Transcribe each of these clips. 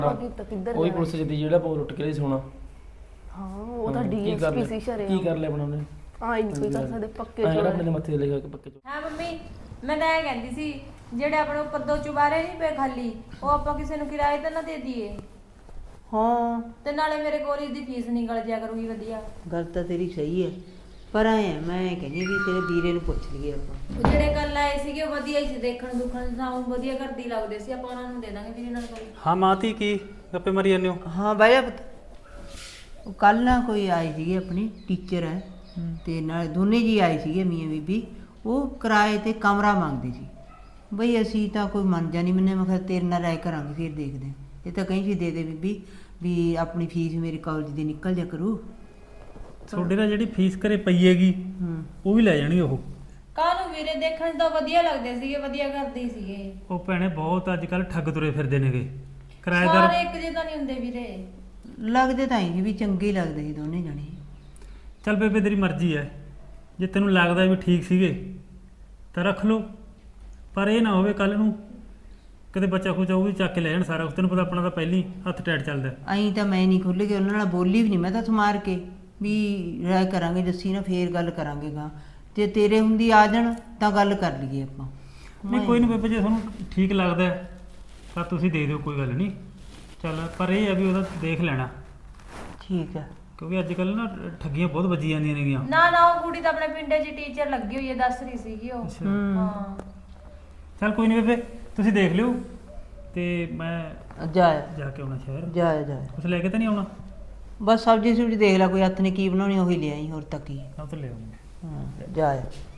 ਕਿੱਧਰ ਉਹੀ ਪੁਲਿਸ ਜਿੱਦੀ ਜਿਹੜਾ ਪੋ ਲੁੱਟ ਕੇ ਲਈ ਸੋਨਾ। ਹਾਂ ਉਹ ਤਾਂ ਡੀਐਸਪੀ ਸੀ ਸ਼ਰੇ। ਕੀ ਕਰ ਲਿਆ ਬਣਾਉਣੇ? ਹਾਂ ਇਹ ਕੋਈ ਕਰ ਸਕਦੇ ਪੱਕੇ ਚੋਰ ਆਪਣੇ ਦੇ ਮੱਥੇ ਤੇ ਲਿਖਾ ਕੇ ਪੱਕੇ ਚੋਰ। ਹਾਂ ਮੰਮੀ ਮੈਂ ਤਾਂ ਇਹ ਕਹਿੰਦੀ ਸੀ ਜਿਹੜੇ ਆਪਣੇ ਉੱਪਰ ਦੋ ਚੁਬਾਰੇ ਨਹੀਂ ਪਏ ਖਾਲੀ ਉਹ ਆਪਾਂ ਕਿਸੇ ਨੂੰ ਕਿਰਾਏ ਤੇ ਨਾ ਦੇ ਦਈਏ। ਹਾਂ ਤੇ ਨਾਲੇ ਮੇਰੇ ਕਾਲਜ ਦੀ ਫੀਸ ਨਿਕਲ ਜਾਇਆ ਕਰੂਗੀ ਵਧੀਆ। ਗੱਲ ਤਾਂ ਤੇਰੀ ਸਹੀ ਹੈ ਪਰ ਐ ਮੈਂ ਕਹਿੰਦੀ ਵੀ ਤੇਰੇ ਵੀਰੇ ਨੂੰ ਪੁੱਛ ਲਈਏ ਆਪਾਂ। ਉਹ ਜਿਹੜੇ ਕੱਲ ਆਏ ਸੀਗੇ ਉਹ ਵਧੀਆ ਹੀ ਸੀ ਦੇਖਣ ਦੁਖਣ ਸਾਨੂੰ ਵਧੀਆ ਕਰਦੀ ਲੱਗਦੇ ਸੀ ਆਪਾਂ ਉਹਨਾਂ ਨੂੰ ਦੇ ਦਾਂਗੇ ਵੀਰੇ ਨਾਲ ਕੋਈ। ਹਾਂ ਮਾਤੀ ਕੀ ਗੱਪੇ ਮਾਰੀ ਜਾਂਦੇ ਹੋ? ਹਾਂ ਬਾਈ ਪੁੱਤ ਉਹ ਕੱਲ ਨਾ ਕੋਈ ਆਈ ਸੀਗੀ ਆਪਣੀ ਟੀਚਰ ਹੈ ਤੇ ਨਾਲ ਦੋਨੇ ਜੀ ਆਏ ਸੀਗੇ ਮੀਆਂ ਬੀਬੀ। ਉਹ ਕਿਰਾਏ ਤੇ ਕਮਰਾ ਮੰਗਦੇ ਸੀ ਬਈ ਅਸੀਂ ਤਾਂ ਕੋਈ ਮੰਨ ਜਾ ਨਹੀਂ ਮੈਨੇ ਮੈਂ ਕਿਹਾ ਤੇਰੇ ਨਾਲ ਰਾਏ ਕਰਾਂਗੇ ਫਿਰ ਦੇਖਦੇ ਹਾਂ। ਇਹ ਤਾਂ ਕਹੀਂ ਸੀ ਦੇ ਦੇ ਬੀਬੀ ਵੀ ਆਪਣੀ ਫੀਸ ਮੇਰੇ ਕਾਲਜ ਦੀ ਨਿਕਲ ਜਾ ਕਰੂ। ਤੁਹਾਡੇ ਨਾਲ ਜਿਹੜੀ ਫੀਸ ਘਰੇ ਪਈ ਹੈਗੀ ਉਹ ਵੀ ਲੈ ਜਾਣਗੇ ਉਹ। ਕਾਹਨੂੰ ਵੀਰੇ ਦੇਖਣ ਤਾਂ ਵਧੀਆ ਲੱਗਦੇ ਸੀਗੇ ਵਧੀਆ ਕਰਦੇ ਸੀਗੇ। ਉਹ ਭੈਣੇ ਬਹੁਤ ਅੱਜ ਕੱਲ ਠੱਗ ਤੁਰੇ ਫਿਰਦੇ ਨੇਗੇ ਕਿਰਾਏਦਾਰ। ਸਾਰੇ ਇੱਕ ਜਿਹੇ ਤਾਂ ਨਹੀਂ ਹੁੰਦੇ ਵੀਰੇ। ਲੱਗਦੇ ਤਾਂ ਹੀ ਵੀ ਚੰਗੇ ਹੀ ਲੱਗਦੇ ਸੀ ਦੋਨੇ ਜਣੇ। ਚੱਲ ਬੇਬੇ ਤੇਰੀ ਮਰਜ਼ੀ ਹੈ ਜੇ ਤੈਨੂੰ ਲੱਗਦਾ ਵੀ ਠੀਕ ਸੀਗੇ ਤਾਂ ਰੱਖ ਲਓ ਪਰ ਇਹ ਨਾ ਹੋਵੇ ਕੱਲ ਨੂੰ ਕਦੇ ਬੱਚਾ ਖੁਚਾ ਉਹ ਵੀ ਚੱਕ ਕੇ ਲੈ ਜਾਣ ਸਾਰਾ ਕੁਛ। ਤੈਨੂੰ ਪਤਾ ਆਪਣਾ ਤਾਂ ਪਹਿਲੀ ਹੱਥ ਟੈਟ ਚੱਲਦਾ। ਐਂ ਤਾਂ ਮੈਂ ਨਹੀਂ ਖੁੱਲ੍ਹ ਕੇ ਉਹਨਾਂ ਨਾਲ ਬੋਲੀ ਵੀ ਨਹੀਂ। ਮੈਂ ਤਾਂ ਸਮਾਰ ਕੇ ਵੀ ਰਾਏ ਕਰਾਂਗੇ ਜੱਸੀ ਨਾ ਫੇਰ ਗੱਲ ਕਰਾਂਗੇ ਗਾ ਜੇ ਤੇਰੇ ਹੁੰਦੀ ਆ ਜਾਣ ਤਾਂ ਗੱਲ ਕਰ ਲਈਏ ਆਪਾਂ। ਨਹੀਂ ਕੋਈ ਨਹੀਂ ਬੇਬੇ ਜੇ ਤੁਹਾਨੂੰ ਠੀਕ ਲੱਗਦਾ ਤਾਂ ਤੁਸੀਂ ਦੇ ਦਿਓ ਕੋਈ ਗੱਲ ਨਹੀਂ। ਚੱਲ ਪਰ ਇਹ ਹੈ ਵੀ ਉਹਦਾ ਦੇਖ ਲੈਣਾ ਠੀਕ ਹੈ ਕਿਉਂਕਿ ਅੱਜ ਕੱਲ ਨਾ ਠੱਗੀਆਂ ਬਹੁਤ ਵੱਜੀ ਜਾਂਦੀਆਂ ਨੇਗੀਆਂ। ਨਾ ਨਾ ਉਹ ਕੁੜੀ ਤਾਂ ਆਪਣੇ ਪਿੰਡੇ 'ਚ ਟੀਚਰ ਲੱਗੀ ਹੋਈ ਹੈ ਦੱਸ ਰਹੀ ਸੀਗੀ ਉਹ। ਹਾਂ ਚੱਲ ਕੋਈ ਨਹੀਂ ਬੇਬੇ ਤੁਸੀਂ ਦੇਖ ਲਿਓ ਤੇ ਮੈਂ ਜਾ ਕੇ ਆਉਣਾ ਸ਼ਹਿਰ। ਜਾ ਕੁਛ ਲੈ ਕੇ ਤਾਂ ਨਹੀਂ ਆਉਣਾ? ਬਸ ਸਬਜ਼ੀ ਸੁਬਜ਼ੀ ਦੇਖ ਲੈ ਕੋਈ ਹੱਥ ਨੇ ਕੀ ਬਣਾਉਣੀ ਉਹੀ ਲਿਆਈ ਹੋਰ ਤਾਂ ਕੀ। ਉਹ ਤਾਂ ਲੈ ਆਉਂਗਾ। ਹਾਂ ਜਾ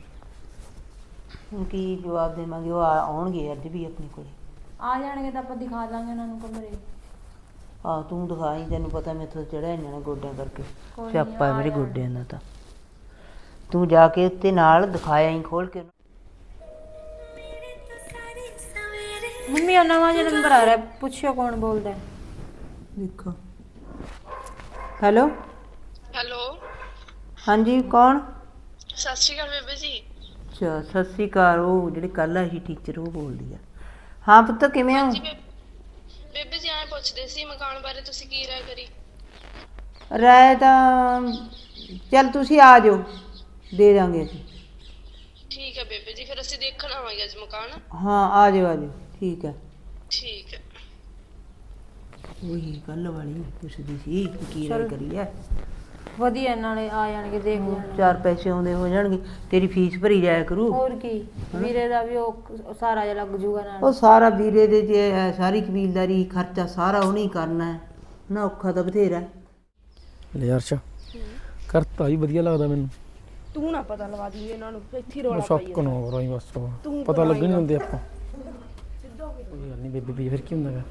ਹੁਣ ਕੀ ਜਵਾਬ ਦੇਵਾਂਗੇ। ਉਹ ਆਉਣਗੇ ਅੱਜ ਵੀ ਆਪਣੇ ਕੋਲ। ਆ ਜਾਣਗੇ ਤਾਂ ਆਪਾਂ ਦਿਖਾ ਦਾਂਗੇ ਉਹਨਾਂ ਨੂੰ ਕਮਰੇ। ਆਹ ਤੂੰ ਦਿਖਾਈ ਤੈਨੂੰ ਪਤਾ ਮੈਥੋਂ ਚੜਿਆ ਜਾਣਾ ਗੋਡਿਆਂ ਕਰਕੇ। ਕੋਈ ਨੀ, ਸਿਆਪਾ ਆ ਮੇਰੇ ਜਾਣਗੇ। ਗੋਡਿਆਂ ਦਾ ਤਾਂ। ਤੂੰ ਜਾ ਕੇ ਉੱਤੇ ਨਾਲ ਦਿਖਾਇਆ ਹੀ ਖੋਲ ਕੇ। ਮੰਮੀ ਉਹਨਾਂ ਦਾ ਨੰਬਰ ਆ ਰਿਹਾ ਪੁੱਛਿਓ ਕੌਣ ਬੋਲਦਾ ਹੈ। ਦੇਖੋ ਹੈਲੋ ਹੈਲੋ ਹਾਂਜੀ ਕੌਣ? ਸਤਿ ਸ਼੍ਰੀ ਅਕਾਲ ਬੇਬੇ ਜੀ। ਅੱਛਾ ਸਤਿ ਸ਼੍ਰੀ ਅਕਾਲ। ਉਹ ਜਿਹੜੀ ਕੱਲ ਆਈ ਸੀ ਟੀਚਰ ਉਹ ਬੋਲਦੀ ਆ। ਹਾਂ ਪੁੱਤ ਕਿਵੇਂ ਹੋ? ਜੀ ਬੇਬੇ ਜੀ ਐਂ ਪੁੱਛਦੇ ਸੀ ਮਕਾਨ ਬਾਰੇ ਤੁਸੀਂ ਕੀ ਰਾਏ ਕਰੀ? ਰਾਏ ਤਾਂ ਚੱਲ ਤੁਸੀਂ ਆ ਜਾਓ ਦੇ ਦਾਂਗੇ ਅਸੀਂ। ਠੀਕ ਹੈ ਬੇਬੇ ਜੀ ਫਿਰ ਅਸੀਂ ਦੇਖਣ ਆਵਾਂਗੇ ਅੱਜ ਮਕਾਨ। ਹਾਂ ਆ ਜਾਓ ਠੀਕ ਹੈ। ਠੀਕ ਹੈ। ਉਹੀ ਕੱਲ ਵਾਲੀ ਪੁੱਛਦੀ ਸੀ ਕਿ ਕੀ ਰਾਏ ਕਰੀ ਹੈ। ਵਧੀਆ ਨਾਲੇ ਆ ਜਾਣਗੇ ਦੇਖ ਲੈਣਗੇ। ਚਾਰ ਪੈਸੇ ਆਉਂਦੇ ਹੋ ਜਾਣਗੇ ਤੇਰੀ ਫੀਸ ਭਰੀ ਜਾਇਆ ਕਰੂ। ਹੋਰ ਕੀ ਵੀਰੇ ਦਾ ਵੀ ਉਹ ਸਾਰਾ ਜਿਹਾ ਲੱਗ ਜੂਗਾ ਨਾਲ। ਉਹ ਸਾਰਾ ਵੀਰੇ ਦੇ ਜੇ ਹੈ ਸਾਰੀ ਕਬੀਲਦਾਰੀ ਖਰਚਾ ਸਾਰਾ ਉਹਨੇ ਹੀ ਕਰਨਾ ਹੈ ਨਾ। ਔਖਾ ਤਾਂ ਬਥੇਰਾ ਲੈ ਯਾਰ ਅੱਛਾ ਕਰਤਾ ਹੀ ਵਧੀਆ ਲੱਗਦਾ ਮੈਨੂੰ। ਤੂੰ ਨਾ ਪਤਾ ਲਵਾ ਦੀ ਇਹਨਾਂ ਨੂੰ ਇੱਥੇ ਰੋਲਾ ਸ਼ੱਕ ਨਾ ਹੋ ਰਹੀ ਬਸ ਪਤਾ ਲੱਗਣ ਨਹੀਂ ਦਿੰਦੇ ਆਪਾਂ। ਕੋਈ ਗੱਲ ਨਹੀਂ ਬੇਬੇ ਵੀ ਫਿਰ ਕੀ ਹੁੰਦਾ ਗਾ।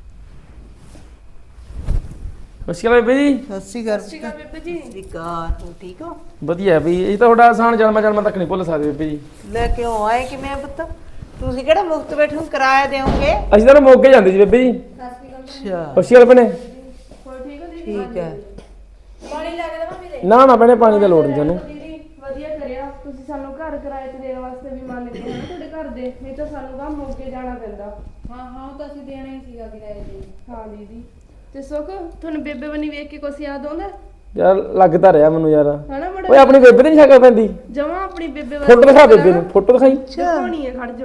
ਸਤਿ ਬੇਬੇ ਜੀ। ਸਤਿ ਸ਼੍ਰੀ ਅਕਾਲ ਬੇਬੇ ਜੀ। ਸਤਿ ਸ਼੍ਰੀ ਅਕਾਲ। ਤੂੰ ਠੀਕ ਹੋ? ਵਧੀਆ ਵੀ ਇਹ ਤਾਂ ਤੁਹਾਡਾ ਆਸਾਨ ਜਨਮ ਤੱਕ ਨਹੀਂ ਭੁੱਲ ਸਕਦੇ ਬੇਬੇ ਜੀ। ਲੈ ਕਿਉਂ ਆਏ ਕਿਵੇਂ ਪੁੱਤ? ਤੁਸੀਂ ਕਿਹੜਾ ਮੁਫਤ ਬੈਠੋ ਕਿਰਾਇਆ ਦੇਵੋਗੇ? ਅਸੀਂ ਤਾਂ ਮੋਗੇ ਜਾਂਦੇ ਸੀ ਬੇਬੇ ਜੀ। ਅੱਛਾ ਸਤਿ ਸ਼੍ਰੀ ਅਕਾਲ ਭੈਣੇ। ਠੀਕ ਹੈ। ਪਾਣੀ ਲੱਗ ਦੇਵਾਂ ਵੀਰੇ? ਨਾ ਭੈਣੇ ਪਾਣੀ ਦਾ ਲੋੜ ਨਹੀਂ ਸਾਨੂੰ। ਵਧੀਆ ਕਰਿਆ ਤੁਸੀਂ ਸਾਨੂੰ ਘਰ ਕਿਰਾਏ ਤੇ ਦੇਣ ਵਾਸਤੇ ਵੀ ਮੰਨ ਗਏ ਨਾ ਤੁਹਾਡੇ ਘਰ ਦੇ। ਨਹੀਂ ਤਾਂ ਸਾਨੂੰ ਤਾਂ ਮੋਗੇ ਜਾਣਾ ਪੈਂਦਾ। ਹਾਂ ਉਹ ਤਾਂ ਅਸੀਂ ਦੇਣਾ ਹੀ ਸੀਗਾ ਕਿਰਾਏ ਤੇ। ਹਾਂ ਦੀਦੀ ਤੇ ਸੁੱਖ ਤੁਹਾਨੂੰ ਬੇਬੇ ਬਣੀ ਵੇਖ ਕੇ ਕੁਛ ਯਾਦ ਆਉਂਦਾ? ਯਾਰ ਲੱਗਦਾ ਰਿਹਾ ਮੈਨੂੰ ਯਾਰ। ਹਨਾ ਓਏ ਬੜਾ ਆਪਣੀ ਬੇਬੇ ਤੇ ਨਹੀਂ ਸ਼ਕਲ ਪੈਂਦੀ। ਜਮਾ ਆਪਣੀ ਬੇਬੇ ਫੋਟੋ ਦਿਖਾ ਬੇਬੇ ਨੂੰ ਫੋਟੋ ਦਿਖਾਈ। ਦਿਖਾਉਣੀ ਹੈ ਖੜ ਜਾ।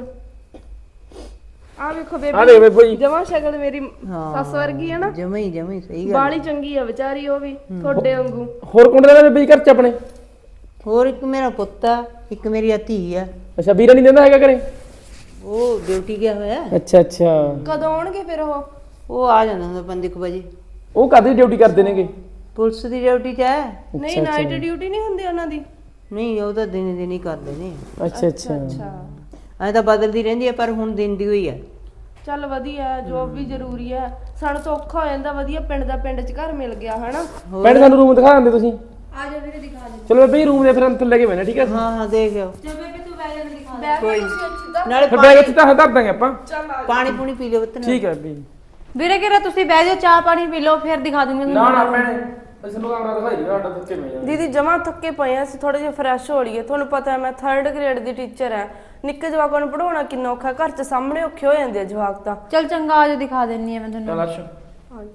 ਆ ਵੇਖੋ ਆ ਬੇਬੇ ਦੇਖ ਬੇਬੇ ਜੀ। ਜਮਾ ਸ਼ਕਲ ਮੇਰੀ ਸੱਸ ਵਰਗੀ ਹੈ ਨਾ। ਜਮਾ ਹੀ ਸਹੀ ਗੱਲ। ਬਾਲੀ ਚੰਗੀ ਆ ਵਿਚਾਰੀ ਉਹ ਵੀ ਤੁਹਾਡੇ ਵਾਂਗੂ। ਹੋਰ ਕੌਣ ਰਹਿੰਦਾ ਬੇਬੇ ਜੀ ਘਰ ਚ ਆਪਣੇ? ਹੋਰ ਇੱਕ ਮੇਰਾ ਪੁੱਤ ਆ ਇੱਕ ਮੇਰੀ ਧੀ ਆ। ਅੱਛਾ ਵੀਰਾ ਨਹੀਂ ਦਿੰਦਾ ਹੈਗਾ ਘਰੇ? ਉਹ ਡਿਊਟੀ ਗਿਆ ਹੋਇਆ। ਅੱਛਾ ਅੱਛਾ ਕਦੋਂ ਆਉਣਗੇ ਫਿਰ ਉਹ ਆ ਜਾਂਦਾ ਹੁੰਦਾ 5 ਵਜੇ। ਉਹ ਕਾਹਦੀ ਡਿਊਟੀ ਕਰਦੇ ਨੇਗੇ? ਪੁਲਿਸ ਦੀ ਡਿਊਟੀ 'ਚ ਹੈ। ਨਹੀਂ ਨਾਈਟ ਡਿਊਟੀ ਨਹੀਂ ਹੁੰਦੀ ਉਹਨਾਂ ਦੀ? ਨਹੀਂ ਉਹ ਤਾਂ ਦਿਨ ਹੀ ਕਰਦੇ ਨੇ। ਅੱਛਾ ਅੱਛਾ ਐ ਤਾਂ ਬਦਲਦੀ ਰਹਿੰਦੀ ਹੈ ਪਰ ਹੁਣ ਦਿਨ ਦੀ ਹੋਈ ਹੈ। ਚੱਲ ਵਧੀਆ ਜੋਬ ਵੀ ਜ਼ਰੂਰੀ ਹੈ। ਸਾਨੂੰ ਤਾਂ ਔਖਾ ਹੋ ਜਾਂਦਾ ਵਧੀਆ ਪਿੰਡ 'ਚ ਘਰ ਮਿਲ ਗਿਆ ਹਨਾ। ਭੈਣੇ ਸਾਨੂੰ ਰੂਮ ਦਿਖਾ ਦਿੰਦੇ ਤੁਸੀਂ? ਆ ਜਾ ਵੀਰੇ ਦਿਖਾ ਦੇ। ਚਲੋ ਬੇਬੇ ਜੀ ਰੂਮ ਦੇ ਫਿਰ ਅੰਦਰ ਲੈ ਕੇ ਬੈਣਾ ਠੀਕ ਹੈ? ਹਾਂ ਦੇਖ ਆਓ। ਚੱਲ ਬੇਬੇ ਤੂੰ ਬਹਿ ਜਾ ਮੈਂ ਦਿਖਾ ਦੇ। ਕੋਈ ਨਾਲੇ ਫਿਰ ਬੈਗ ਇੱਥੇ ਤਾਂ ਧਰ ਦਾਂਗੇ ਆਪਾਂ। ਪਾਣੀ ਪੂਣੀ ਪੀ ਲਿਓ ਪੁੱਤ ਨੇ। ਠੀਕ ਹੈ ਬੇਬੇ ਜੀ। ਵੀਰੇ ਕਿਹੜਾ ਤੁਸੀਂ ਬਹਿ ਜਾਓ ਚਾਹ ਪਾਣੀ ਪੀ ਲਓ ਫਿਰ ਦਿਖਾ ਦੂੰਗੀ ਨਾ ਨਾ ਭੈਣੇ ਅਸੀਂ ਨੂੰ ਕਮਰਾ ਦਿਖਾਈ ਦੇ ਸਾਡਾ ਥੱਕੇ ਮੈਂ ਜਾਣਾ। ਦੀਦੀ ਜਮਾ ਥੱਕੇ ਪਏ ਆ ਅਸੀਂ ਥੋੜੇ ਜਿਹਾ ਫਰੈਸ਼ ਹੋ ਲਈਏ। ਤੁਹਾਨੂੰ ਪਤਾ ਹੈ ਮੈਂ 3rd ਗ੍ਰੇਡ ਦੀ ਟੀਚਰ ਹੈ। ਨਿੱਕੇ ਜਵਾਕਾਂ ਨੂੰ ਪੜਾਉਣਾ ਕਿੰਨਾ ਔਖਾ। ਘਰ 'ਚ ਸਾਹਮਣੇ ਔਖੇ ਹੋ ਜਾਂਦੇ ਆ ਜਵਾਕ ਤਾਂ। ਚੱਲ ਚੰਗਾ ਆ ਜਾ ਦਿਖਾ ਦਿੰਨੀ ਆ ਮੈਂ ਤੁਹਾਨੂੰ। ਚੱਲ ਅੱਛਾ ਹਾਂ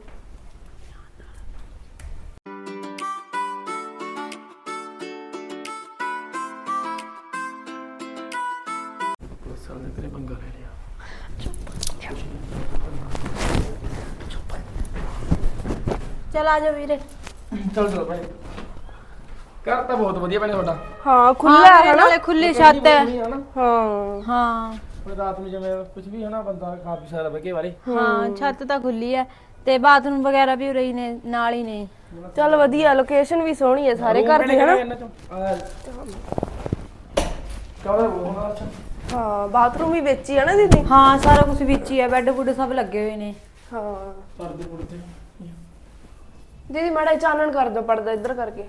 ਪੁਲਿਸ ਵਾਲੇ ਨੇ ਤੇਰੇ ਪੰਗਾ ਲੈ ਲਿਆ। ਚਲ ਆ ਜਾ ਵੀਰੇ। ਚਲ ਭਾਈ ਘਰ ਤਾਂ ਬਹੁਤ ਵਧੀਆ ਭੈਣੇ ਤੁਹਾਡਾ। ਹਾਂ ਖੁੱਲਾ ਹੈ ਨਾ ਨਾਲੇ ਖੁੱਲੀ ਛੱਤ ਹੈ। ਹਾਂ ਹਾਂ ਕੋਈ ਰਾਤ ਨੂੰ ਜਿਵੇਂ ਕੁਝ ਵੀ ਹਨਾ ਬੰਦਾ ਖਾ ਪੀ ਸਕਦਾ ਬਹਿ ਕੇ ਵਾਲੇ। ਹਾਂ ਛੱਤ ਤਾਂ ਖੁੱਲੀ ਹੈ ਤੇ ਬਾਥਰੂਮ ਵਗੈਰਾ ਵੀ ਉਰੇ ਹੀ ਨੇ ਨਾਲ ਹੀ ਨੇ। ਚੱਲ ਵਧੀਆ ਲੋਕੇਸ਼ਨ ਵੀ ਸੋਹਣੀ ਹੈ ਸਾਰੇ ਘਰ ਦੀ ਹਨਾ। ਹਾਂ ਬਾਥਰੂਮ ਵੀ ਵਿੱਚ ਹੀ ਹੈ ਨਾ ਦੀਦੀ। ਹਾਂ ਸਾਰਾ ਕੁਝ ਵਿੱਚ ਹੀ ਹੈ, ਬੈੱਡ ਬੁੱਡ ਸਭ ਲੱਗੇ ਹੋਏ ਨੇ। ਹਾਂ ਪਰਦੇ ਪੁਰਦੇ ਦੀਦੀ ਮਾੜਾ ਜਿਹਾ ਚਾਨਣ ਕਰ ਦਿਓ ਪਰਦਾ ਇੱਧਰ ਕਰਕੇ।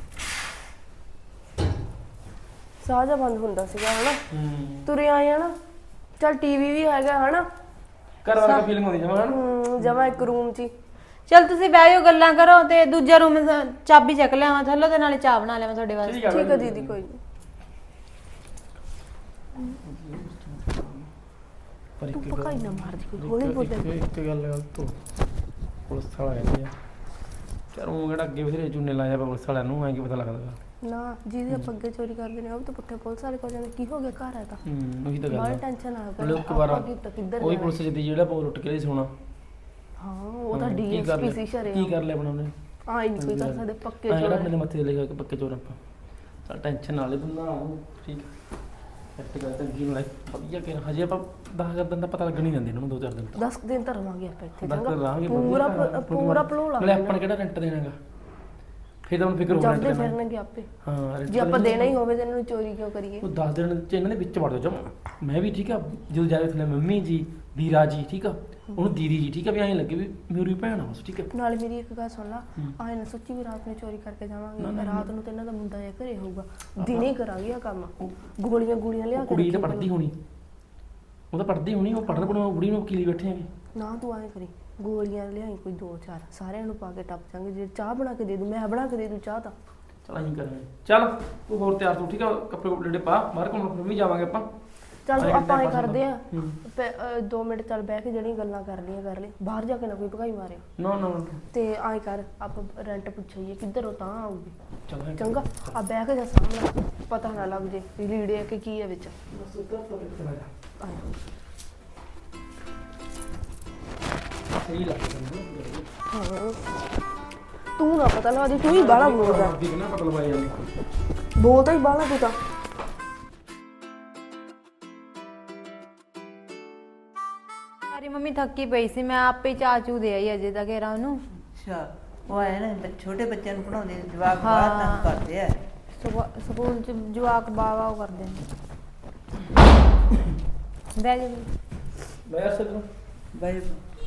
ਸਾਹ ਜਿਹਾ ਬੰਦ ਹੁੰਦਾ ਸੀਗਾ ਹਨਾ। ਤੁਰੇ ਆਏ ਆ ਨਾ। ਚੱਲ ਟੀਵੀ ਵੀ ਹੈਗਾ ਹਨਾ। ਘਰ ਵਾਲਾ ਫੀਲਿੰਗ ਹੁੰਦੀ ਜਮਾ ਹਨਾ। ਜਮਾ ਇੱਕ ਰੂਮ 'ਚ ਹੀ। ਚਲ ਤੁਸੀਂ ਬਹਿ ਜਾਓ ਗੱਲਾਂ ਕਰੋ ਤੇ ਦੂਜਾ ਰੂਮ ਚਾਬੀ ਚੱਕ ਲਿਆਵਾਂ ਥੱਲੋਂ ਤੇ ਨਾਲੇ ਚਾਹ ਬਣਾ ਲਿਆਵਾਂ ਤੁਹਾਡੇ ਵਾਸਤੇ। ਠੀਕ ਹੈ ਦੀਦੀ ਕੋਈ ਨਹੀਂ। ਪਰ ਤੂੰ ਪਕਾਈ ਨਾ ਮਾਰਦੀ ਕੋਈ ਹੌਲੀ ਬੋਲ। ਇੱਕ ਗੱਲ ਤੋਂ ਪੁਲਿਸ ਵਾਲਾ ਕਹਿੰਦੇ ਆ ਯਾਰ ਉਹ ਕਿਹੜਾ ਅੱਗੇ ਬਥੇਰੇ ਚੂਨੇ ਲਾਇਆ ਪੁਲਿਸ ਵਾਲਿਆਂ ਨੂੰ ਐਂ ਕੀ ਪਤਾ ਲੱਗਦਾ। ਨਾ ਜਿਹਦੇ ਆਪਾਂ ਅੱਗੇ ਚੋਰੀ ਕਰਦੇ ਨੇ ਉਹ ਵੀ ਤਾਂ ਪੁੱਠੇ ਪੁਲਿਸ ਵਾਲੇ ਕੋਲ ਜਾਂਦੇ ਕੀ ਹੋ ਗਿਆ ਘਰ ਆ ਤਾਂ ਉਹੀ ਤਾਂ ਗੱਲ ਬਾਹਰ ਆ। ਟੈਨਸ਼ਨ ਆ ਮਤਲਬ ਇੱਕ ਵਾਰ ਕਿੱਧਰ ਉਹੀ ਪੁਲਿਸ ਜਿੱਦੀ ਜਿਹੜਾ ਬੋਲ ਉੱਟ ਕੇ ਲਈ ਸੋਣਾ। ਹਾਂ ਉਹ ਤਾਂ ਕੀ ਕਰ ਡੀਐਸਪੀ ਲਿਆ? ਸੀ ਸ਼ਰੇ ਕੀ ਕਰ ਲਿਆ ਆਪਣਾ ਉਹਨੇ? ਹਾਂ ਹੀ ਨਹੀਂ ਕੋਈ ਕਰ ਸਕਦੇ ਪੱਕੇ ਜਿਹੜਾ ਚੋਰ ਆਪਣੇ ਮੱਥੇ ਤੇ ਲਿਖਿਆ ਕਿ ਪੱਕੇ ਚੋਰ ਆਪਾਂ। ਚੱਲ ਟੈਨਸ਼ਨ ਨਾ ਲੈ ਤੂੰ ਨਾ ਠੀਕ ਸੈੱਟ ਕਰ ਚੰਗੀ ਨਾਲ ਵਧੀਆ ਕਿ ਹਜੇ ਆਪਾਂ 10 ਦਿਨ ਦਾ ਪਤਾ ਲੱਗਣ ਨਹੀਂ ਦਿੰਦੇ ਇਹਨਾਂ ਨੂੰ 2-4 ਦਿਨ ਤੱਕ। 10 ਦਿਨ ਤਾਂ ਰਵਾਂਗੇ ਆਪਾਂ ਇੱਥੇ 10 ਦਿਨ ਰਹਾਂਗੇ ਪੂਰਾ ਪਲੋਲਾ ਨਾਲੇ ਆਪਾਂ ਨੇ ਕਿਹੜਾ ਰੈਂਟ ਦੇਣਾਗਾ ਫਿਰ ਤਾਂ ਹੁਣ ਫਿਕਰ ਹੋਣਾ ਜਾਂਦੇ ਫਿਰਨਗੇ ਆਪੇ। ਹਾਂ rent ਜੇ ਆਪਾਂ ਦੇਣਾ ਹੀ ਹੋਵੇ ਤਾਂ ਇਹਨਾਂ ਨੂੰ ਚੋਰੀ ਕਿਉਂ ਕਰੀਏ। ਉਹ 10 ਦਿਨ ਚ ਇਹਨਾਂ ਦੇ ਵਿੱਚ ਵੜ ਜਾ ਮੈਂ ਵੀ ਠੀਕ ਆ ਜਦੋਂ ਜਾਵੇ ਥਲੇ ਮੰਮੀ ਜੀ ਵੀਰਾ ਜੀ ਠੀਕ ਆ ਉਹਨੂੰ ਦੀਦੀ ਜੀ ਠੀਕ ਆ ਵੀ ਐਂ ਲੱਗੇ ਵੀ ਮੇਰੀ ਭੈਣ ਆ ਬਸ ਠੀਕ ਆ। ਨਾਲੇ ਮੇਰੀ ਇੱਕ ਗੱਲ ਸੁਣ ਲਾ ਆਏ ਨਾ ਸੱਚੀ ਵੀ ਰਾਤ ਨੂੰ ਚੋਰੀ ਕਰਕੇ ਜਾਵਾਂਗੇ ਰਾਤ ਨੂੰ ਤੇ ਇਹਨਾਂ ਦਾ ਮੁੰਡਾ ਜਾਂ ਘਰੇ ਹੋਊਗਾ ਦਿਨੇ ਕਰਾਂਗੇ ਆ ਕੰਮ ਗੋਲੀਆਂ ਲਿਆ ਕੇ ਕੁੜੀ ਤਾਂ ਪੜ੍ਹਦੀ ਹੋਣੀ ਉਹ ਤਾਂ ਪੜ੍ਹਦੀ ਹੋਣੀ ਉਹ ਪੜ੍ਹਨ ਪੜ੍ਹਨ ਬੁੜੀ ਨੂੰ ਵਕੀਲੀ ਬੈਠੇ ਆਂਗੇ। ਨਾ ਤੂੰ ਐਂ ਕਰੀ ਗੋਲੀਆਂ ਲਿਆਈ ਕੋਈ 2-4 ਸਾਰਿਆਂ ਨੂੰ ਪਾ ਕੇ ਟੱਪ ਜਾਾਂਗੇ ਜੇ ਚਾਹ ਬਣਾ ਕੇ ਦੇ ਦੂੰ ਮੈਂ ਬਣਾ ਕੇ ਦੇ ਦੂੰ ਚਾਹ ਤਾਂ। ਚਲ ਅਸੀਂ ਕਰਾਂਗੇ ਚੱਲ ਤੂੰ ਹੋਰ ਤਿਆਰ ਤੂੰ ਠੀਕ ਆ ਕੱਪੜੇ ਕੁਪੜੇ ਪਾ ਬਾਹਰ ਘੁੰਮਣ ਫਿਰ ਵੀ ਜਾਵਾਂਗੇ ਆਪਾਂ। ਚੱਲ ਆਪਾਂ ਇਹ ਕਰਦੇ ਆ 2 ਮਿੰਟ ਚੱਲ ਬਹਿ ਕੇ ਜਿਹੜੀਆਂ ਗੱਲਾਂ ਕਰ ਲਈ ਬਾਹਰ ਜਾ ਕੇ ਨਾ ਕੋਈ ਭਗਾਈ ਮਾਰਿਓ। ਨਾ ਤੇ ਐਂ ਕਰ ਆਪਾਂ ਰੈਂਟ ਪੁੱਛਈਏ ਕਿੱਧਰੋਂ ਤਾਂ ਆਊਗੀ ਚੱਲ ਚੰਗਾ ਆ ਬਹਿ ਕੇ ਜਾ ਸਾਹਮਣੇ ਪਤਾ ਨਾ ਲੱਗ ਜੇ ਵੀ ਲੀੜੇ ਆ ਕਿ ਕੀ ਹੈ ਵਿੱਚ। ਸਹੀ ਲੱਗਦਾ ਹਾਂ ਤੂੰ ਨਾ ਪਤਾ ਲਾ ਦੀ ਤੂੰ ਹੀ ਬਾਹਲਾ ਬੋਲਦਾ ਨਾ ਪਤਾ ਲਵਾਇਆ ਜਾਂਦਾ ਬੋਲਦਾ ਹੀ ਬਾਹਲਾ ਤੂੰ ਤਾਂ। ਸਾਰੀ ਮੰਮੀ ਥੱਕੀ ਪਈ ਸੀ ਮੈਂ ਆਪੇ ਚਾਹ ਚੂ ਦੇ ਆਈ ਅਜੇ ਤੱਕ ਇਹਰਾ ਉਹਨੂੰ। ਅੱਛਾ ਉਹ ਆਏ ਨਾ ਛੋਟੇ ਬੱਚਿਆਂ ਨੂੰ ਪੜਾਉਂਦੇ ਜਵਾਕ ਬਾਹਰ ਤੰਗ ਕਰਦੇ ਆ। ਸਕੂਲ ਚ ਜਵਾਕ ਬਾਵਾ ਉਹ ਕਰਦੇ ਨੇ। ਬਹਿ ਜਾ ਮੈਂ ਸੱਜਣ ਬਾਈ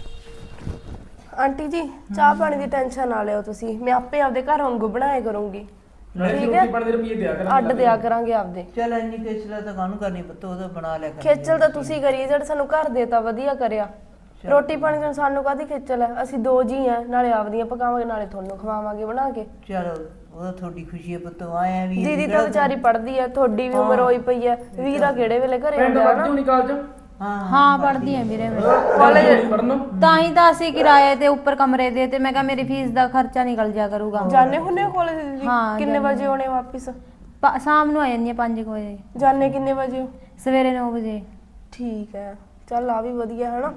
ਆਂਟੀ ਜੀ ਚਾਹ ਪਾਣੀ ਦੀ ਟੈਨਸ਼ਨ ਨਾ ਲਿਓ ਤੁਸੀਂ ਮੈਂ ਆਪੇ ਆਪਦੇ ਘਰ ਵਾਂਗੂ ਬਣਾਇਆ ਕਰੂੰਗੀ। ਠੀਕ ਹੈ ਰੋਟੀ ਰੁਪਏ ਦਿਆ ਕਰਾਂਗੇ ਅੱਡ ਦਿਆ ਕਰਾਂਗੇ ਆਪਦੇ। ਚੱਲ ਇੰਨੀ ਖੇਚਲਾ ਤਾਂ ਕਾਹਨੂੰ ਕਰਨੀ ਪੁੱਤ ਉਹਦਾ ਬਣਾ ਲਿਆ ਕਰ। ਖੇਚਲ ਤਾਂ ਤੁਸੀਂ ਕਰੀ ਜਿਹੜਾ ਸਾਨੂੰ ਘਰ ਦੇਤਾ ਵਧੀਆ ਕਰਿਆ। ਰੋਟੀ ਪਾਣੀ ਤੋਂ ਸਾਨੂੰ ਕਾਹਦੀ ਖੇਚਲ ਹੈ ਅਸੀਂ 2 ਜੀ ਆ ਨਾਲੇ ਆਪਦੀਆਂ ਪਕਾਵਾਂਗੇ ਨਾਲੇ ਤੁਹਾਨੂੰ ਖਵਾਵਾਂਗੇ ਬਣਾ ਕੇ। ਚਲੋ ਉਹਦਾ ਤੁਹਾਡੀ ਖੁਸ਼ੀ ਹੈ ਪੁੱਤ ਆਇਆ ਵੀ ਦੀਦੀ ਤਾਂ ਵਿਚਾਰੀ ਪੜ੍ਹਦੀ ਹੈ ਤੁਹਾਡੀ ਵੀ ਉਮਰ ਹੋਈ ਪਈ ਹੈ ਵੀਰਾ ਕਿਹੜੇ ਵੇਲੇ ਘਰੇ ਪਿੰਡ ਆਉਂਦਾ ਵਰਤੀ ਹੋਣੀ ਕਾਲਜ ਹਾਂ ਪੜ੍ਹਦੀ ਆ ਵੀਰੇ ਮੈਂ ਕਾਲਜ ਪੜਨ ਤਾਂ ਹੀ ਤਾਂ ਅਸੀਂ ਕਿਰਾਏ ਤੇ ਉੱਪਰ ਕਮਰੇ ਦੇ ਤੇ ਮੈਂ ਕਿਹਾ ਮੇਰੀ ਫੀਸ ਦਾ ਖਰਚਾ ਨਿਕਲ ਜਾ ਕਰੂਗਾ। ਜਾਣੇ ਹੁੰਨੇ ਕਾਲਜ ਦੀਦੀ ਹਾਂ, ਕਿੰਨੇ ਵਜੇ ਆਉਣੇ ਵਾਪਿਸ? ਸ਼ਾਮ ਨੂੰ ਆ ਜਾਂਦੀ ਆ 5 ਵਜੇ ਜਾਣੇ ਕਿੰਨੇ ਵਜੇ ਹੋ? ਸਵੇਰੇ 9 ਵਜੇ। ਠੀਕ ਹੈ ਚੱਲ ਆ ਵੀ ਵਧੀਆ ਹੈ ਨਾ।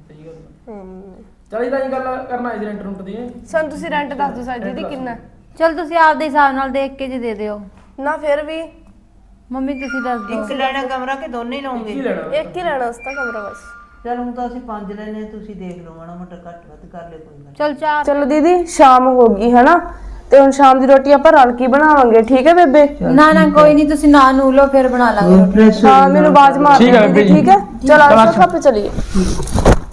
ਚਲ ਇਹਦਾ ਹੀ ਗੱਲ ਕਰਨਾ ਇਸ ਰੈਂਟ ਰੂਟ ਦੀ ਸਾਨੂੰ ਤੁਸੀਂ ਰੈਂਟ ਦੱਸ ਦਿਓ ਸਾਡੀ ਦੀਦੀ ਕਿੰਨਾ? ਚਲ ਤੁਸੀਂ ਆਪਦੇ ਹਿਸਾਬ ਨਾਲ ਦੇਖ ਕੇ ਜੀ ਦੇ ਦਿਓ। ਨਾ ਫਿਰ ਵੀ ਮੰਮੀ ਤੁਸੀਂ ਦੱਸ ਦਿਓ। ਇੱਕ ਲੈਣਾ ਕਮਰਾ ਕਿ ਦੋਨੇ ਹੀ ਲਓਗੇ? ਇੱਕ ਹੀ ਲੈਣਾ ਉਸ ਤਾਂ ਕਮਰਾ ਬਸ। ਚਲ ਹੁਣ ਤਾਂ ਅਸੀਂ 5 ਲੈਣੇ ਤੁਸੀਂ ਦੇਖ ਲਓ ਮਾੜਾ ਮੋਟਾ ਘੱਟ ਵੱਧ ਕਰ ਲਿਓ ਕੋਈ ਗੱਲ। ਚਲ 4 ਚਲੋ ਦੀਦੀ ਸ਼ਾਮ ਹੋ ਗਈ ਹੈ ਨਾ ਤੇ ਹੁਣ ਸ਼ਾਮ ਦੀ ਰੋਟੀ ਆਪਾਂ ਰਲ ਕੇ ਬਣਾਵਾਂਗੇ ਠੀਕ ਹੈ ਬੇਬੇ? ਨਾ ਕੋਈ ਨਹੀਂ ਤੁਸੀਂ ਨਾ ਨੂੰ ਲਓ ਫਿਰ ਬਣਾ ਲਾਂਗੇ। ਹਾਂ ਮੈਨੂੰ ਆਵਾਜ਼ ਮਾਰ ਦਿਓ ਠੀਕ ਹੈ। ਚਲ ਆਜੋ ਕੱਪ ਚਲੀਏ।